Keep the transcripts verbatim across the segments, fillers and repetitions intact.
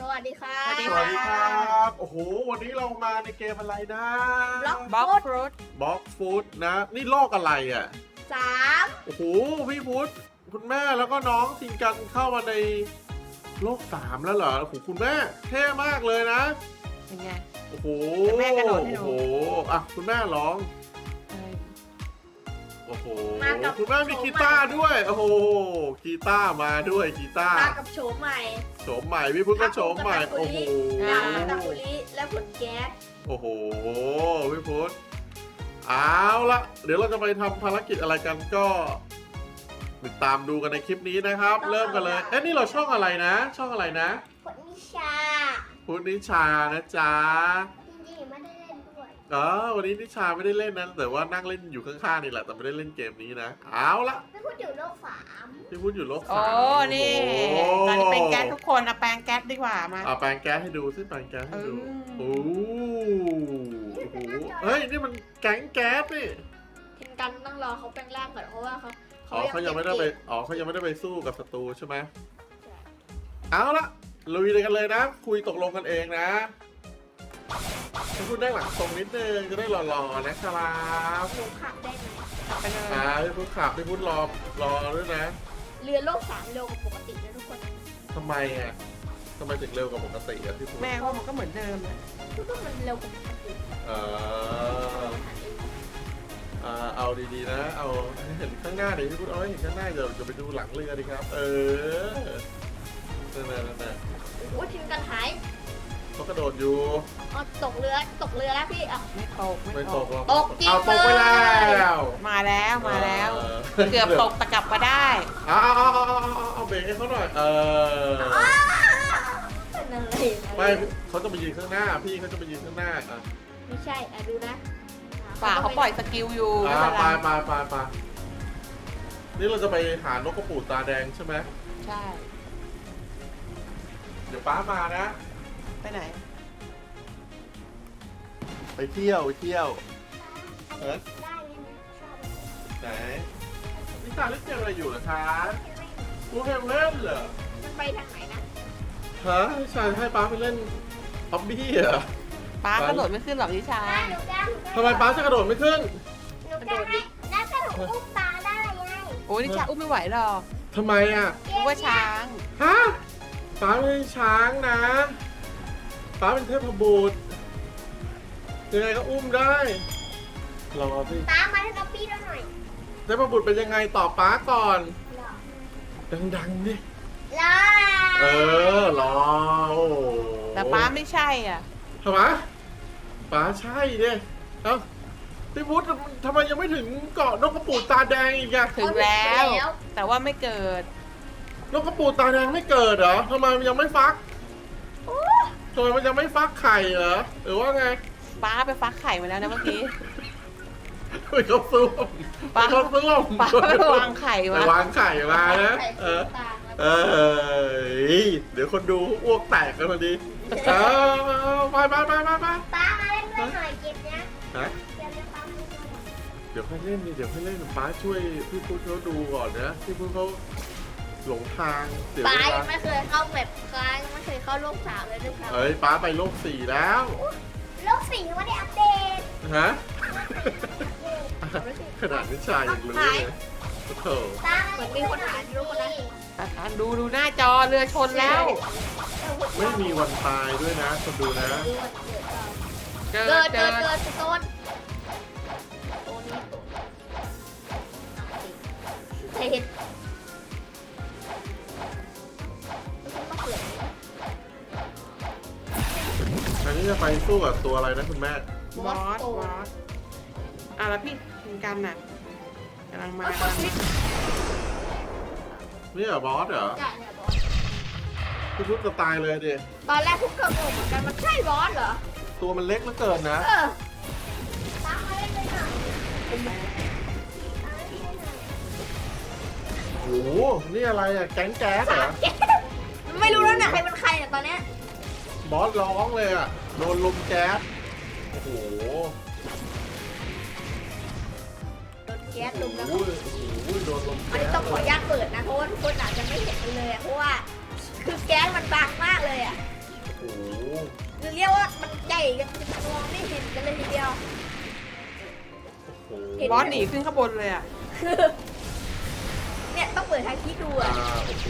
วัสดีครับสวัสดีครับโอ้โหวันนี้เรามาในเกมอะไรนะบล็อกบ็อกฟรุตบล็อกฟูดนะนี่โลกอะไรอ่ะสามโอ้โหพี่พุทธคุณแม่แล้วก็น้องทิงกันเข้ามาในโลกสามแล้วเหรอโอ้โหคุณแม่เท่มากเลยนะเป็นไงโอ้โหเดี๋ยวแม่กระโดดให้ดูโอ้โหอ่ะคุณแม่ร้องเออโอ้โหมากับคุณแม่มีกีตาร์ด้วยโอ้โหกีตาร์มาด้วยกีตาร์มากับโฉมใหม่โฉมใหม่พี่พุทธก็โฉมใหม่โอ้โหดาวตะกุลิและผลแก๊สโอ้โหพี่พุทธเอาละเดี๋ยวเราจะไปทำภารกิจอะไรกันก็ติดตามดูกันในคลิปนี้นะครับ เริ่มกันเลยเอ๊ะนี่เราช่องอะไรนะ ช่องอะไรนะผลนิชาพุทธนิชานะจ๊ะจริงๆไม่ได้เล่นด้วยอ๋อวันนี้นิชาไม่ได้เล่นนะแต่ว่านั่งเล่นอยู่ข้างๆนี่แหละแต่ไม่ได้เล่นเกมนี้นะเอาละไม่พูดถึงโลกสามพี่พุทธอยู่ลบโอ้สามนี่โอ้โหตอนนี้เป็นแก๊สทุกคนเอาแปรงแก๊สดีกว่ามาเอาแปรงแก๊สให้ดูซิแปรงแก๊สให้ดูอืมโอ้โหโอ้โหเฮ้ยนี่มันแก๊งแก๊สนี่ทินกันต้องรอเขาแปลงร่างก่อนเพราะว่าเขาอ๋อเขายังไม่ได้ไปอ๋อเขายังไม่ได้ไปสู้กับศัตรูใช่ไหมเอาละลุยเลยกันเลยนะ คุยตกลงกันเองนะพี่พูดได้หลังตรงนิดนึงจะได้หล่อๆนะครับหนูขับได้ไหมไปเลยอ่าพี่พูดขับพี่พูดรอรอด้วยนะเรือโลกสามเร็วกว่าปกตินะทุกคนทำไมอ่ะทำไมถึงเร็วกว่าปกติอ่ะพี่พูดแม่ว่ามันก็เหมือนเดิมนะทุกคนมันเร็วกว่าปกติเอออ่าเอาดีๆนะ เอาให้เห็นข้างหน้าดิพี่พูดเอาให้เห็นข้างหน้าเดี๋ยวจะไปดูหลังเรือดีครับ เออนั่นๆนั่นโอ้โหทินกันหายๆเขากระโดดอยู่อ๋อตกเรือตกเรือแล้วพี่อ่ะไม่ตกไม่ไม่ตตกกหรอกตกจริงเอาตกไปเลยแล้วมาแล้วมาแล้วเออเกือบตกแต่กลับมาได้เอาเอาเอาเอาเอาเอาเบรกให้เขาหน่อย เออเป็นอะไรไม่เขาจะไปยืนข้างหน้า พี่เขาจะไปยืนข้างหน้าอ่ะไม่ใช่อ่ะดูนะฝ่าเขาปล่อยสกิลอยู่อ่าไม่ไปเป็นไรไปไปไปนี่เราจะไปหานกกระปูดตาแดงใช่ไหมใช่เดี๋ยวป้ามานะไปไหนไปเที่ยวไปเที่ยวเออได้เลยนะชอบไหนนิชาเล่นเกมอะไรอยู่เหรอคะกูเกมเล่นเหรอมันไปทางไหนนะฮะนิชาให้ป้าไปเล่นฮอบบี้เหรอป้ากระโดดไม่ขึ้นหรอกนิชาได้หนูได้ทำไมป้าจะกระโดดไม่ขึ้นหนูได้แล้วก็หนูอุ้มปลาได้ไงโอ้ยนิชาอุ้มไม่ไหวหรอกทำไมอ่ะนึกว่าช้างฮะป้าไม่ใช่ช้างนะป้าเป็นเทพบุตรยังไงก็อุ้มได้รอสิตามมาให้เราปี้เราหน่อยเทพบุตรเป็นยังไงตอบป้าก่อนรอดังๆดิรอเออรอโอ้โหแต่ป้าไม่ใช่อ่ะทำไมป้าใช่ดิเอ้าพี่พุทธทำไมยังไม่ถึงเกาะนกกระปูดตาแดงอีกอะถึงแล้ว แต่ว่าไม่เกิดนกกระปูดตาแดงไม่เกิดเหรอทำไมมันยังไม่ฟักทำไมมันยังไม่ฟักไข่เหรอหรือว่าไงป้าไปฟักไข่มาแล้วนะเมื่อกี้ไปเขาซุ่มป้าไปเขาซุ่มป้าไปวางไข่ไปมาวางไข่มานะ เออตามเออเดี๋ยวคนดูอ้วกแตกกันพอดีเออไปไปไปไปไปป้ามาเล่นด้วยหน่อยเกมเนี้ยฮะเกมเนี้ยป้ามาเล่นด้วยหน่อยเดี๋ยวค่อยเล่นดิเดี๋ยวค่อยเล่นป้าช่วยพี่พุทธเขาดูก่อนนะพี่พุทธเขาหลงทางเสียป้าเวยัลางไม่เคยเข้าแบบคลายยังไม่เคยเข้าโลกสามเลยด้วยครับเอ้ยป้าไปโลกสี่แล้วโลกสี่ยังไม่ได้อัปเดตฮะขนาดนิชายังรู้เลยโอ้โหตาเหมือนมีคนหาที่รู้คนนั้นอ่ะดูดูหน้าจอเรือชนแล้วไม่มีวันตายด้วยนะคนดูนะเกิเกิดดเกิเกิดดเกิดโซนโซนนี้ใครเห็นต้องเปลี่ยนอันนี้จะไปสู้กับตัวอะไรนะคุณแม่บอสบอสอ่ะแล้วพี่กินกันน่ะกำลังมากำลังมานี่เหรอบอสเหรอใช่เนี่ยบอสพี่พุทธจะตายเลยดิตอนแรกพวกเกิดงงเหมือนกันมันใช่บอสเหรอตัวมันเล็กเหลือเกินนะเออตามมาเล่นเลยหน่อยโอ้โหนี่อะไรอ่ะแก๊งแก๊สเหรอไม่รู้แล้วเนี่ยใครเป็นใครเนี่ยตอนเนี้ยบอสร้องเลยอ่ะโดนลมแก๊สโอ้โหโดนแก๊สลุมแล้วโอ้โหโอ้โหโดนลมอันแก๊นี้สต้องขออนุญาตเปิดนะเพราะว่าทุกคนอาจจะไม่เห็นเลยอะเพราะว่าคือแก๊สมันบางมากเลยอ่ะห็นบอสหนีขึ้นข้างบนเลยอ่ะคือเนี่ยต้องเปิดทางคิดดูอ่าอ่ะโอ้โห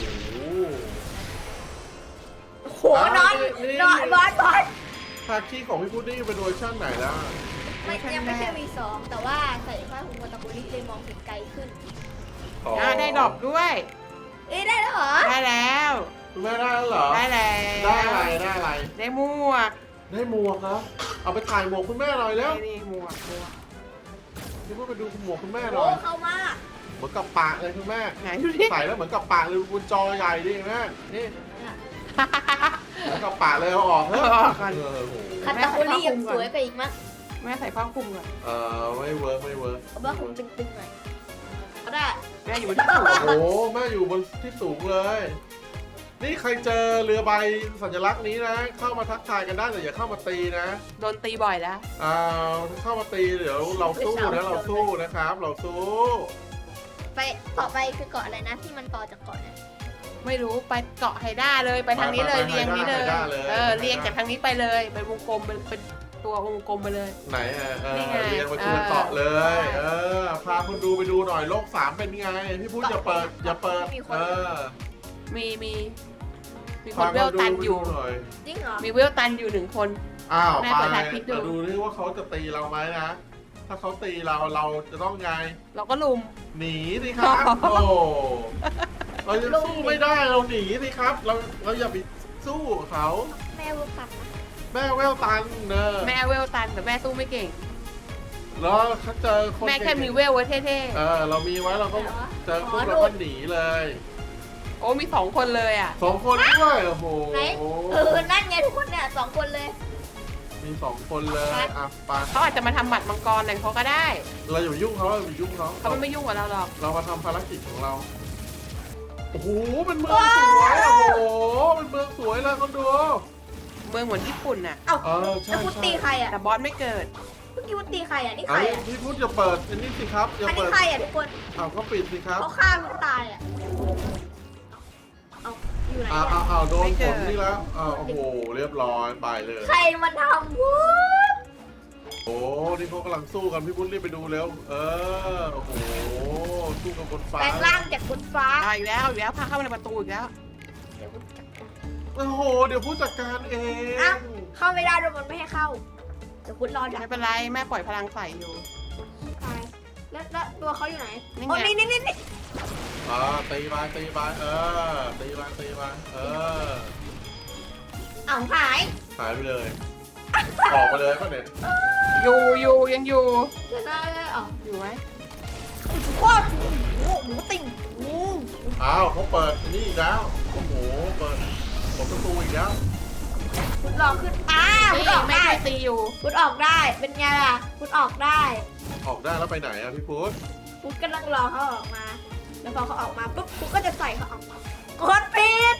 โอ้โหนอนนอนบอสบอสภาคีของพี่พุดดิ้งเป็นเวอร์ชันไหนล่ะไม่ยังไม่ใช่ วี สอง แต่ว่าใส่ผ้าคลุมโมตะกุลิเลยมองเห็นไกลขึ้นอ๋ออ่าได้ดอกด้วยเอ้ยได้แล้วเหรอได้แล้วคุณแม่ได้แล้วเหรอได้แล้วได้อะไรได้อะไรได้หมวกได้หมวกครับเอาไปถ่ายหมวกคุณแม่หน่อยแล้วนี่นี่หมวกหมวกพี่พุดไปดูหมวกคุณแม่หน่โอ้อยเข้ามาเหมือนกับปากเลยคุณแม่ไหนดูดิใส่แล้วเหมือนกับปากเลยบนจอใหญ่ดิแม่นี่เหมือนกับปากเลยเอาออกเถอะเอาออกก่อนเออโหคัตตาคุลิยังสวยไปอีกมั้งแม่ใส่ผ้าคลุมก่อนเออไม่เวิร์กไม่เวิร์กเอาผ้าคลุมตึงๆหน่อยเอาได้แม่อยู่บนที่สูงโอ้โหแม่อยู่บนที่สูงเลย นี่ใครเจอเรือใบสัญลักษณ์นี้นะ เข้ามาทักทายกันได้แต่อย่าเข้ามาตีนะโดนตีบ่อยแล้วอ่าเข้ามาตีเดี๋ยวเราสู้นะเราสู้นะครับ เราสู้ไปต่อไปคือเกาะอะไรนะที่มันต่อจากเกาะเนี่ยไม่รู้ไปเกาะไฮด้าเลยไปทางนี้เลยเรียงนี้เลย เออเรียงจากทางนี้ไปเลยไปวงกลมเป็นเป็นตัววงกลมไปเลยไหนอ่ะเออนี่ไงเรียนมาทีละเกาะเลย เออพาคุณดูไปดูหน่อยโลกสามเป็นไงพี่พูดอย่าเปิดอย่าเปิดเออมีมีมีคพานเวลตันอยู่หน่อยจริงเหรอมีเวลตันอยู่หนึ่งคนอ้าวแม่ไปเปิดถ่ายคลิปดูมาดูนี่ว่าเขาจะตีเราไหมนะ ถ้าเขาตีเราเราจะต้องไงเราก็ลุมหนีสิครับ โอ้เราจะสู้ไม่ได้เราหนีสิครับ เราเราอย่าไปสู้กับเขาแม่วุ้ปักนะแม่แววตันเนอะแม่เวลตันแต่แม่สู้ไม่เก่งแล้วถ้าเจอคนแม่แค่มีเวลไว้เท่เออเรามีไว้เราก็เจอปุ๊บเราก็หนีเลยๆโอ้มีสองคนเลยอ่ะสองคนด้วยโอ้โหไหนเออนั่นไงทุกคนเนี่ยสองคนเลยมีสองคนเลยอ่ะไปเขาอาจจะมาทำบัตรมังกรอะไรเขาก็ได้เราอย่าไปยุ่งเขาเราอย่าไปยุ่งเขาเขาไม่ยุ่งกับเราหรอกเรามาทำภารกิจของเราโอ้โหเป็นเมืองสวยโอ้โหเป็นเมืองสวยเลยคนดูเมืองเหมือนญี่ปุ่นน่ะเอ้าเออใช่แล้วพุทใช่ตีใครอ่ะแต่บอสไม่เกิดเมื่อกี้พุทตีใครอ่ะนี่ใคไอ้รอ่ะพี่พูดอย่าเปิดอันนี้สิครับอย่าอันนี้เปิดใครอ่ะทุกคนเอาก็ปิดสิครับเขาฆ่าพุทตายอ่ะเอาอยู่ไหนอ้าวอ่ะอ้าวอ้าวโดนไม่ฝเกิดนนี่แล้วอ้าวโอ้โหเรียบร้อยไปเลยใครมันทำวุ้โอ้นี่เขากำลังสู้กันพี่พุทธรีบไปดูเร็วเออโอ้โหสู้กับบนฟ้าแปลงร่างจากบนฟ้าเอาอีกแล้วเอาอีกแล้วพาเข้ามาในประตูอีกแล้วเดี๋ยวพุทธจับโอ้โหเดี๋ยวผู้จัดการเองอ่ะ เข้าไม่ได้ด้วยมันไม่ให้เข้าเดี๋ยวพุทธรอดักไม่เป็นไรแม่ปล่อยพลังใส่อยู่ตายแล้วแล้วตัวเขาอยู่ไหนนี่ไงโอ้นี่นี่นี่นี่อ่าตีไปตีไปเออตีไปตีไปเออเอ้าหายหายไปเลยออกไปเลยก็เด็ดอยู่อยู่ยังอยู่เดี๋ยวนะเอ้าอยู่ไหมโคตรโอ้โหหมูติ่งโอ้โหอ้าวเขาเปิดนี่อีกแล้วโอ้โหเปิดเปิดประตูอีกแล้วพุทธรอขึ้นอ้าพุทนี่ธออกแม่ได้ช่วยตีอยู่พุทธออกได้เป็นไงล่ะพุทธออกได้ออกได้แล้วไปไหนอะพี่พุทธพุทธกำลังรอเขาออกมา แล้วพอเขาออกมาปุ๊บพุทธก็จะใส่เขาออกมากดปิด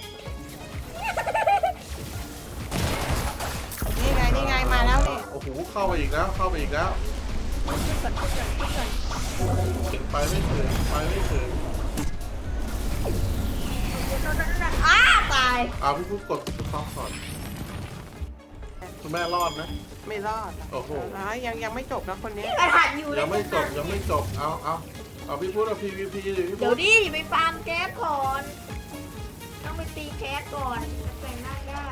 นี่ไงนี่ไงมาแล้วนี่โอ้โหเข้าไปอีกแล้วเข้าไปอีกแล้วพุทธก่อนพุทธก่อนพุทธก่อนไปไม่ถึงไปไม่ถึงอ้าตายเอาพี่พุทธกดสต็อปก่อนคุณแม่รอดนะไม่รอดโอ้โหแล้วยังยังไม่จบนะคนนี้นี่กระหันอยู่เลยังไม่จบนะยังไม่จบเอาเอาเอาพี่พุทธเอา พี วี พี ดิพี่เดี๋พุยทวธดิไปฟาร์มแก๊สก่อน ต้องไปตีแก๊สก่อนแปลงร่างได้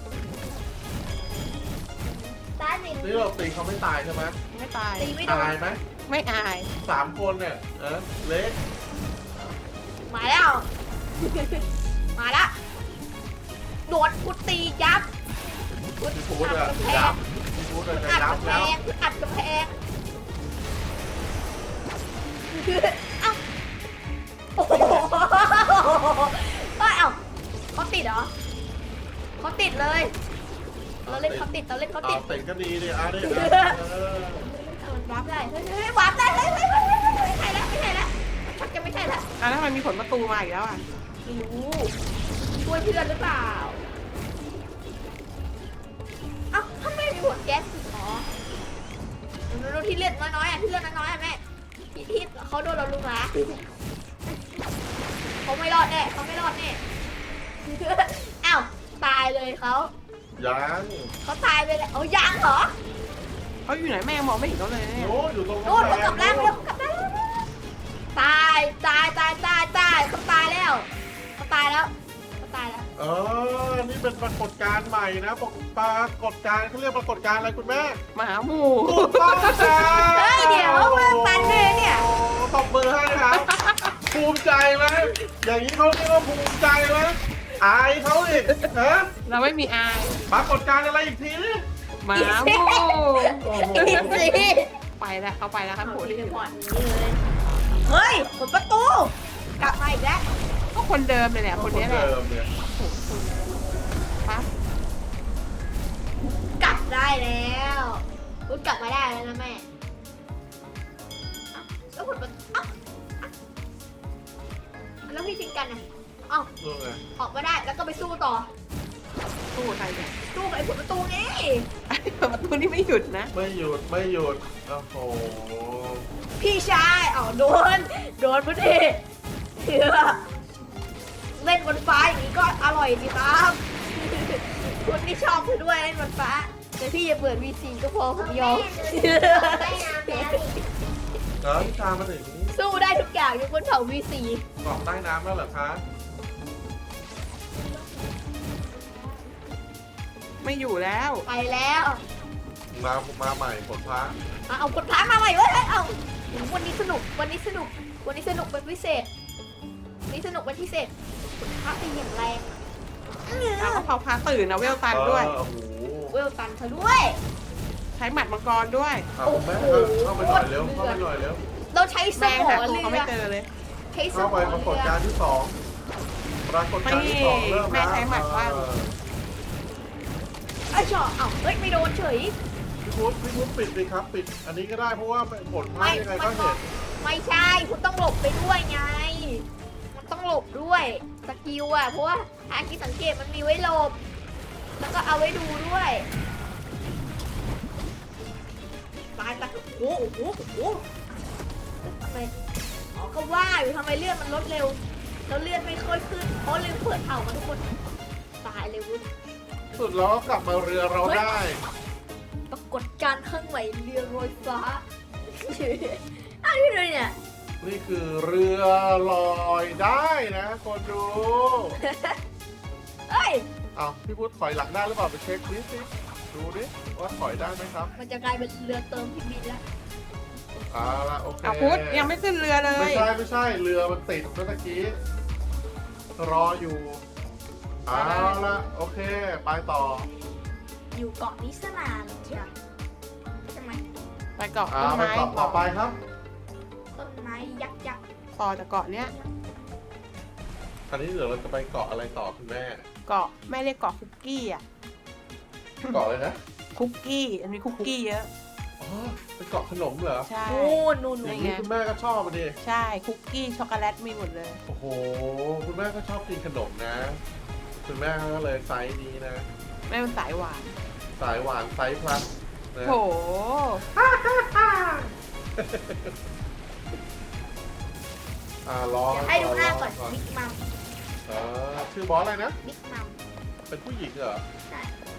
ตายหนึ่งนี่เราตีเขาไม่ตายใช่ไหมไม่ตายตีไม่โดตาน ยไหมไม่อายสามคนเนี่ยเออเล็กมาแล้ว มาละโดนพุทตียับพุทพี่พุทธอัดอะกำแพยังบพี่พุทธอะจะอัดยับกำแพแล้วงพุทอัดกำแพงเอ้าโอ้โหเอ้ยเอ้าเขาติดเหรอเขาติดเลย เราเล่นเขาติดเราเล่นเขาเอาติดเต็งก็ดีดิอ่ะดิเออมันวาร์ปได้เฮ้ยเฮ้ยวาร์ปได้เฮ้ยเฮ้ยเฮ้ยเฮ้ยไม่ใช่แล้วไม่ใช่แล้วชักจะไม่ใช่แล้วอ่ะแล้วทำไมมีผลประตูมาอีกแล้วอ่ะไม่รู้ช่วยเพื่อนหรือเปล่าเอ้าทำไมมีผลแก๊สอ๋อดูที่เลือดน้อยๆอ่ะที่เลือดน้อยๆอ่ะแม่ที่ที่เขาโดนเราลุมหลาเขาไม่รอดแน่เขาไม่รอดแน่อ้าวตายเลยเขายังเขาตายไปแล้วเอายังเหรอเขาอยู่ไหนแม่มองไม่เห็นเขาเลยเนี่ยโอ้อยู่ตรงโน่นกำเขาแพกลับงร่างแล้วเขากลับร่างแล้วตายตายตายตายตายเขาตายแล้วเขาตายแล้วเขาตายแล้วเออนี่เป็นปรากฏการณ์ใหม่นะปรากฏการณ์เขาเรียกปรากฏการณ์อะไรคุณแม่หมาหมูถูกต้องจ้าเฮ้ยเดี๋ยวมาตันเลยเนี่ยโอ้ตบมือให้ครับ ภูมิใจไหมอย่างนี้เขาเรียกว่าภูมิใจไหมอายเขาอีกฮะเราไม่มีอายปรากฏการณ์อะไรอีกทีนี่หมาหมูโอ้โหอีกสิไปแล้วเขาไปแล้วครับโหเอาที่ที่อยู่ก่อนนี้เลยเฮ้ยเปิดประตู กลับมาอีกแล้วก็คนเดิมเลยแหละคนนี้แหละเดิมเนี่ยปั๊บกลับได้แล้วคุณกลับมาได้แล้วนะแม่เอ้าแล้วคุณประตูเอ้าเอ้าแล้วพี่ชิงกันอ่ะเอ้าเรื่องไงออกมาได้แล้วก็ไปสู้ต่อตู้ใครเนี่ยสู้กับไอ้ผลประตูนี่ประตูนี่ไม่หยุดนะไม่หยุดไม่หยุดโอ้โหพี่ชายอ๋อโดน โดนพุทธิเถื่อเล่นบนฟ้าอย่างนี้ก็อร่อยดีครับ คุณนี่ชอบคุณด้วยเล่นบนฟ้า แต่พี่อย่าเปิดวีซีก็พอผมยอมแล้วพี่ชามาถึงสู้ได้ทุกอย่างยกเว้นเผาวีซีเกาะใต้น้ำแล้วเหรอคะไม่อยู่แล้วไปแล้วมามาใหม่ผลพระอ่ะเอากดท้ามาใหม่เว้ยเอ้ยเอาวันนี้สนุก วันนี้สนุก วันนี้สนุกเป็นพิเศษวันนี้สนุกเป็นพิเศษกดท้าเป็นอย่างแรงเอเอาอก็เขาพาตื่นนะเวลตันด้วยเออโอ้โหเวลตันเธอด้วยใช้หมัดมังกรด้วยอ่ะคุณแม่เข้าไปหน่อยเร็วเข้าไปหน่อยเร็วเราใช้สแม่มหาองตัวเรืเขาไม่อเจอเลยใช้สเข้าม ไปองปรากฏเรืการอณ์ที่สองปรากฏการณ์ที่สองเริ่มแม่แล้วใช้หมัดว่างเออไอ้ยชอเอ้าเฮ้ยไม่โดนเฉยพี่พุทธพี่พุทธปิดดิครับปิด อันนี้ก็ได้เพราะว่าผลพระยังไงก็เห็นไม่ใช่คุณต้องหลบไปด้วยไง มันต้องหลบด้วยสกิลอ่ะเพราะว่าอาคิสังเกตมันมีไว้หลบ แล้วก็เอาไว้ดูด้วยตายตายโอ้โหโอ้โหโอ้โหทำไมอ๋อก็ว่าอยู่ทำไมเลือดมันลดเร็วแล้วเลือดไม่ค่อยขึ้นเพราะลืมเปิดเผามาทุกคนตายเลยวุ้นสุดแล้วก็กลับมาเรือเราได้ปรากฏการณ์ข้างใหม่เรือลอยฟ้า อ้าวนี่เลยเนี่ยนี่คือเรือลอยได้นะคนดูเอ้ยเอาพี่พุทธถอยหลังได้หรือเปล่าไปเช็คดิสิดูดิว่าถอยได้ไหมครับมันจะกลายเป็นเรือเติมพี่บินแล้วเอาละโอเคเอาพุทธยังไม่ขึ้นเรือเลไม่ยใช่ไม่ใช่เรือมันติดเมื่อกี้รออยู่เอาละโอเคไปต่ออยู่เกาะนิสนานใช่ไหมใช่ไหมไปเกาะเอาต้นไปไม้ต่อต่อไปครับต้นไม้ยักษ์ยักษ์ต่อจากเกาะเนี้ยอันนี้เดี๋ยวเราจะไปเกาะอะไรต่อคุณแม่เกาะแม่เรียกเกาะคุกกี้อ่ะเกาะเลยนะคุกกี้อันนี้คุกกี้เยอะอ๋อเป็นเกาะขนมเหรอใช่นู่นนู่นอนู่ย่าน งนี้คุณแม่ก็ชอบอ่ะดิใช่คุกกี้ช็อกโกแลตมีหมดเลยโอ้โหคุณแม่ก็ชอบกินขนมนะ คุณแม่ก็เลยไซส์นี้นะแม่เป็นสายหวานสายหวานไซส์พลัสนะโถอ่ารอเดี๋ยวให้ดูหน้าก่อนรบิ๊กมัมเออชื่อบอสอะไรนะบิ๊กมัมเป็นผู้หญิงเหรอใช่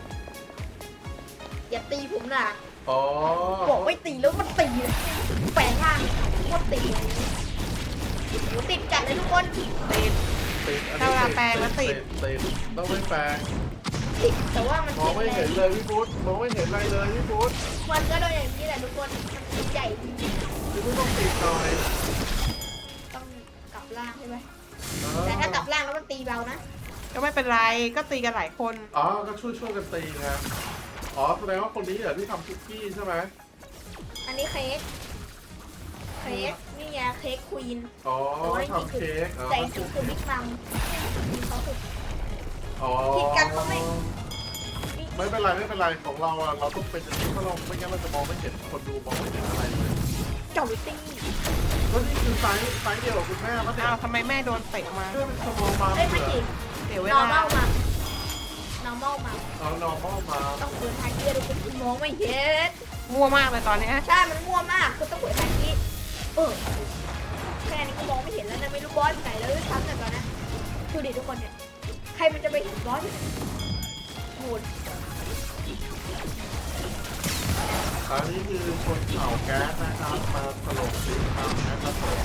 อย่าตีผมนะอ๋อบอกไม่ตีแล้วมันตีแปลงร่างโคตรตีหนูติดจัดเลยทุกคนติดติดอันถ้านี้เวลาแปลงแล้วติดติดต้องไม่แปลงติดแต่ว่ามันมองติดไม่แรเห็งนเลยพี่พุทธมองไม่เห็นอะไรเลยพี่พุทธมันก็โดนอย่างนี้แหละทุกคนมันใหญ่จริงพี่พุทธต้องติดหน่อยๆต้องกลับร่างใช่ไหมอ๋อแต่ถ้ากลับร่างแล้วมันตีเบานะก็ไม่เป็นไรก็ตีกันหลายคนอ๋อก็ช่วยช่วยกันตีนะอ๋อแสดงว่าคนนี้เหรอที่ทำคุกกี้ใช่ไหมอันนี้เค้กเค้กนี่ไงเค้กควีนอ๋อทำเค้กอ๋อแต่จริงๆคือบิ๊กมัมมีเขาถูกอ๋อผิดกันเขาไม่ไม่เป็นไรไม่เป็นไรของเราอะเราต้องเป็นอย่างนี้เพราะเราไม่งั้นเราจะมองไม่เห็นคนดูมองไม่เห็นอะไรเลยเจ้าลิตี้ก็นี่คือไซส์ไซส์เดียวกับคุณแม่ปะเนี่ยอ้าวทำไมแม่โดนเตะมาเพื่อเป็นสมองมาเอ้ยไม่เหรอจริงเสียเวนอร์มัลาลมา normal มาเอานอร์มอลมาต้องเปิดทางเกียร์ดูคุณมองไม่เห็นมั่วมากเลยตอนเนี้ยใช่มันมั่วมากคือต้องเปิดทางนี้เออแค่นี้ก็มองไม่เห็นแล้วนะไม่รู้บอสอยู่ไหนแล้วด้วยซ้ำแต่ตอนนั้นดูดิทุกคนเนี่ยใครมันจะไปเห็นบอสอยู่ไหนโหดออันนี้คือชนเผ่าแก๊สนะครับมาถล่มสีขาวนะครับผม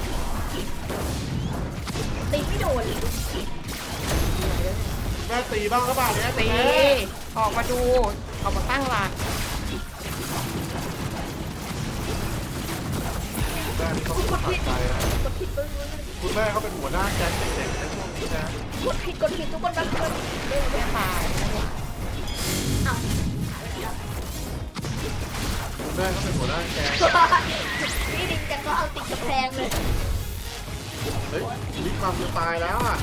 ตีไม่โดนเลยแม่ตีบ้างหรือเปล่าเนี่ยตีออกมาดูออกมาตั้งหลักแม่นี่เขาเป็นตัดใจนะกดผิดกดผิดคุณแม่เขาเป็นหัวหน้าแก๊งเด็กๆในช่วงนี้นะกดผิดกดผิดทุกคนมาช่วยเร็วแม่ตายเอาคุณแม่เขาเป็นหัวหน้าแก๊งพี่ดิงจะก็เอาติดกระแพงเลยเฮ้ยมีความจะตายแล้วอ่ะ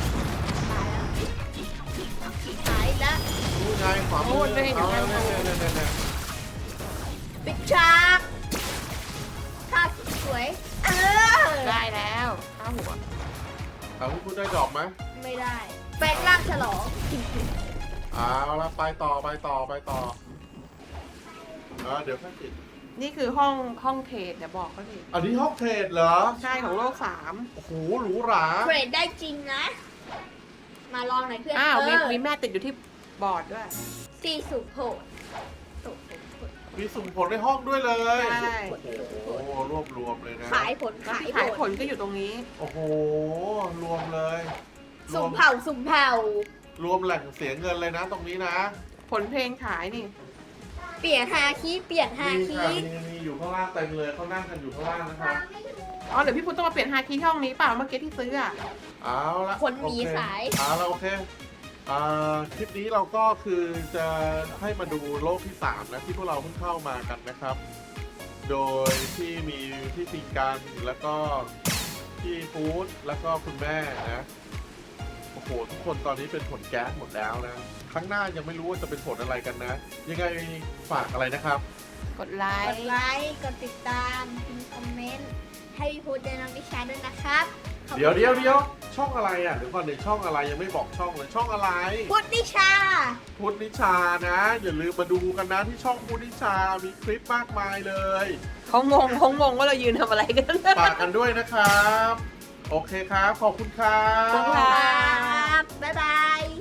ตายแล้วดูไงขวามือเอาแล้วเนี่ยเนี่ยเนี่ยเนี่ยปิดฉากท่าสวยเออได้แล้วข้าหัวเอาคุณได้ดอกไหมไม่ได้แปลงร่างฉลองเอาละไปต่อไปต่อไปต่ออ่าเดี๋ยวค่อยติดนี่คือห้องห้องเทรดเดี๋ยวบอกเขาดิอันนี้ห้องเทรดเหรอใช่ของโลกสามโอ้โหหรูหราเทรดได้จริงนะ มาลองหน่อยเพื่อนอ้าวมีเออมีแม่ติดอยู่ที่บอร์ดด้วยตีสุโผล่สุโผล่มีสุ่มผลในห้องด้วยเลยใช่โอ้โหรวบรวมเลยนะขายผลแล้วขายที่ผขายผลลก็อยู่ตรงนี้โอ้โหรวมเลยรสุ่วมเผาสุ่มเผารวมแหล่งเสียเงินเลยนะตรงนี้นะผลเพลงขายนี่เปลี่ยนฮาคีเปลี่ยนฮามีคีค่ะมีมีอยู่ข้างล่างเต็มเลยเขานั่งกันอยู่ข้างล่างนะครับอ๋อเดี๋ยวพี่พุทธต้องมาเปลี่ยนฮาคีที่ห้องนี้เปล่าเมื่อกี้ที่ซื้ออ่ะเอาละคนหมีโอเคขายเอาละโอเคอ่าคลิปนี้เราก็คือจะให้มาดูโลกที่สามนะที่พวกเราเพิ่งเข้ามากันนะครับ โดยที่มีพี่ติกันแล้วก็พี่ฟู้ดแล้วก็คุณแม่นะโอ้โหทุกคนตอนนี้เป็นผลแก๊สหมดแล้วนะครั้งหน้ายังไม่รู้ว่าจะเป็นผลอะไรกันนะ ยังไงฝากอะไรนะครับกดไลกดค์ไลค์กดติดตามพิมพ์คอมเมนต์ให้พี่พูดเดนน้องดิชาด้วยนะครับขอบคุณเดี๋ยวเดี๋ยวเดี๋ยวช่องอะไรอ่ะเดี๋ยวก่อนเดี๋ยวช่องอะไรยังไม่บอกช่องเลยช่องอะไรพุทธดิชาพุทธนิชานะอย่าลืมมาดูกันนะที่ช่องพุทธนิชามีคลิปมากมายเลยเขางงเขางงว่าเรายืนทำอะไรกันฝากกันด้วยนะครับ โอเคครับ ขอบคุณครับขอบคุณค่ะครับบ๊ายบาย